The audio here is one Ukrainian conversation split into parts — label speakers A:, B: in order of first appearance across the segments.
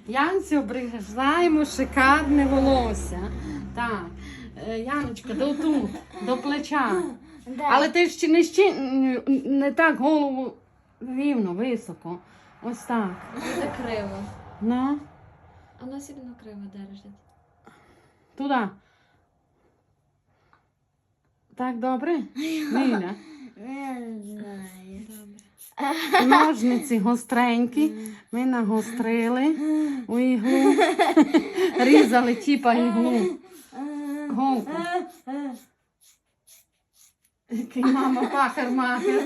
A: Янці обрізаємо шикарне волосся. Так, Яночка, тут, до плеча. Але ти не так голову рівно, високо. Ось так.
B: Буде криво.
A: Ну.
B: А вона сильно криво держить.
A: Туди. Так, добре? Ліля.
C: Не знаю.
B: Добре.
A: Ножниці гостренькі. Ми нагострили у іглу. Різали типа іглу. Голку. Який мама пахар-махер.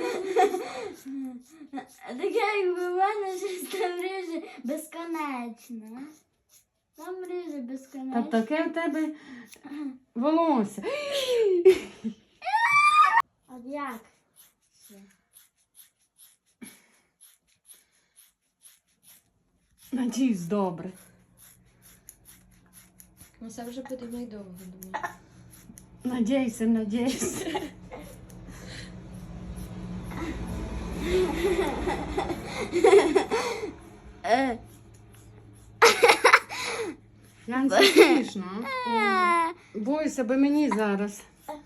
C: Так якби в мене щось там ріже безконечно. Там ріже безконечно.
A: Та таке в тебе волосся.
C: От як?
A: Надіюсь, добре.
B: Ну це вже буде найдовго, думаю.
A: Надіюся. Янці смішно. Бойся, бо мені зараз.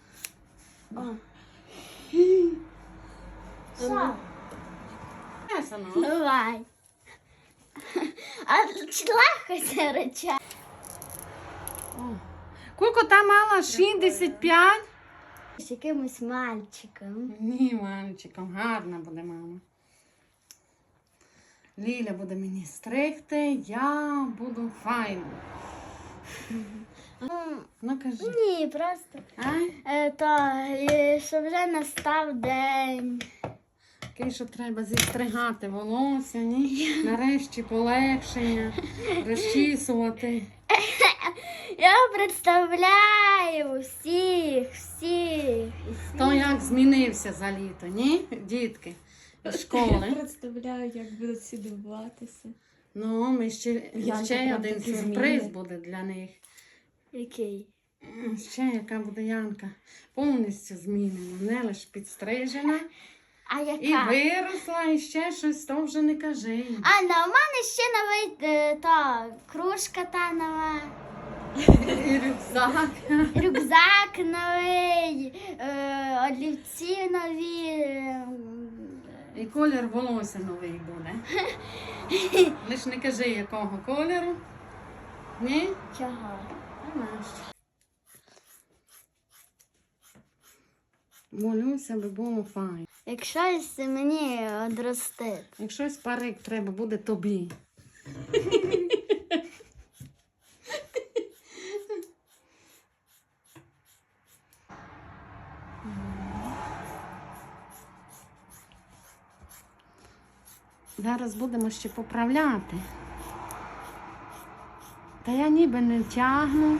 C: Що?
A: Ясно.
C: Давай. А чи легко це реча?
A: Кулько та мала 65?
C: З якимось мальчиком.
A: Ні, мальчиком, гарна буде мама. Ліля буде мені стригти, я буду файна. Ну кажи.
C: Ні, просто. Що вже настав день.
A: Такий, що треба зістригати волосся, ні? Нарешті полегшення, розчісувати.
C: Я представляю всіх.
A: Хто як змінився за літо, ні? Дітки з школи.
B: Представляю, як будуть всі дивуватися.
A: Ну, ми ще
B: Янка
A: один
B: такі
A: сюрприз
B: зміни.
A: буде для них.
C: Який?
A: Ще яка буде Янка. Повністю змінена, не лише підстрижена.
C: А яка?
A: І виросла, і ще щось, то вже не кажи.
C: А, у мене ще новий кружка та нова.
A: І рюкзак.
C: Рюкзак новий, олівці нові.
A: І колір волосся новий буде. Лиш не кажи, якого кольору. Ні?
C: Чого?
A: Молюся, би було файно.
C: Якщо мені одростить.
A: Якщо парик треба буде тобі. Зараз будемо ще поправляти. Та я ніби не тягну.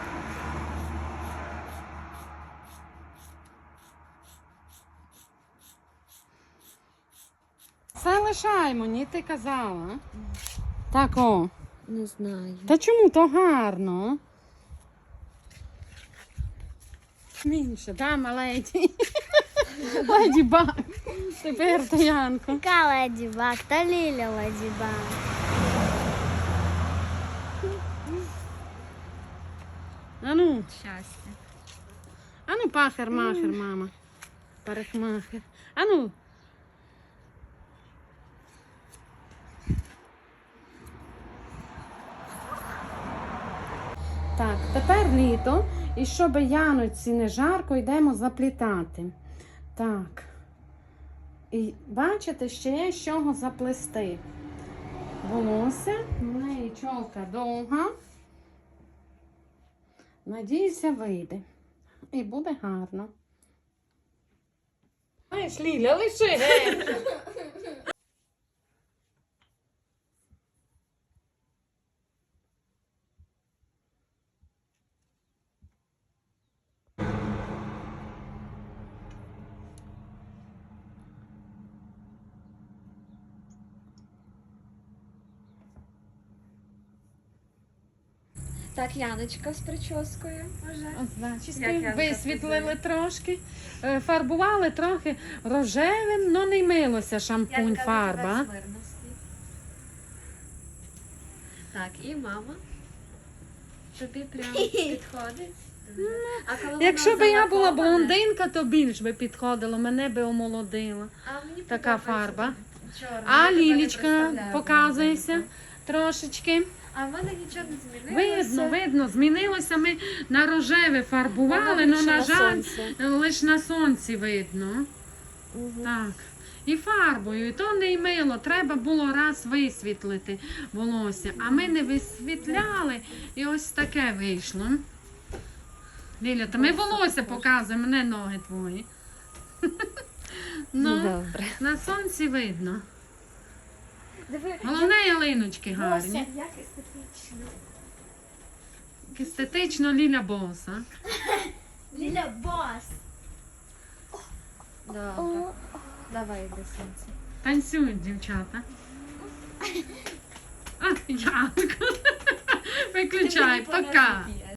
A: Все лишаємо, ні, ти казала. Так, о.
B: Не знаю.
A: Та чому то гарно? Менше, да, маледі? Леді Баг. Тепер то Янко.
C: Яка Леді Баг? Та Ліля Леді Баг.
A: Ану,
B: Щастя.
A: ану пахар-махер, мама. Парикмахер. Ану. Так, тепер літо. І щоб Яноці не жарко, йдемо заплітати. Так. І бачите, ще є з чого заплести. Волосся, в неї чолка довга. Надіюся, вийде. І буде гарно. Знаєш, Ліля, лиши.
B: Так, Яночка з прическою вже.
A: Зачіски висвітлили трошки, фарбували трохи рожевим, але не милося шампунь, фарба.
B: Так, і мама. Тобі прям підходить. А коли вона
A: Якщо б я була
B: залакована-
A: блондинка, то більш би підходило, мене би омолодила.
B: А мені
A: Така
B: подобається
A: фарба.
B: чорна.
A: А
B: Я тебе не
A: Лілічка,
B: представляю
A: показуйся
B: блондинку.
A: трошечки.
B: А в мене нічого не змінилося.
A: Видно, змінилося. Ми на рожеве фарбували, але,
B: більше
A: на
B: на
A: жаль,
B: сонці.
A: лише на сонці видно.
B: Мгм.
A: Так. І фарбою, і то не й мило. Треба було раз висвітлити волосся. А ми не висвітляли, і ось таке вийшло. Ліля, то ми волосся показуємо, не ноги твої. Ну,
B: Добре.
A: на сонці видно.
B: Диви,
A: Головне, ялиночки гарні.
B: як естетично.
A: Естетично Ліля боса.
C: Ліля бос.
B: Добре. Давай до сонця.
A: Танцюють дівчата. А, Янко. Виключай, пока.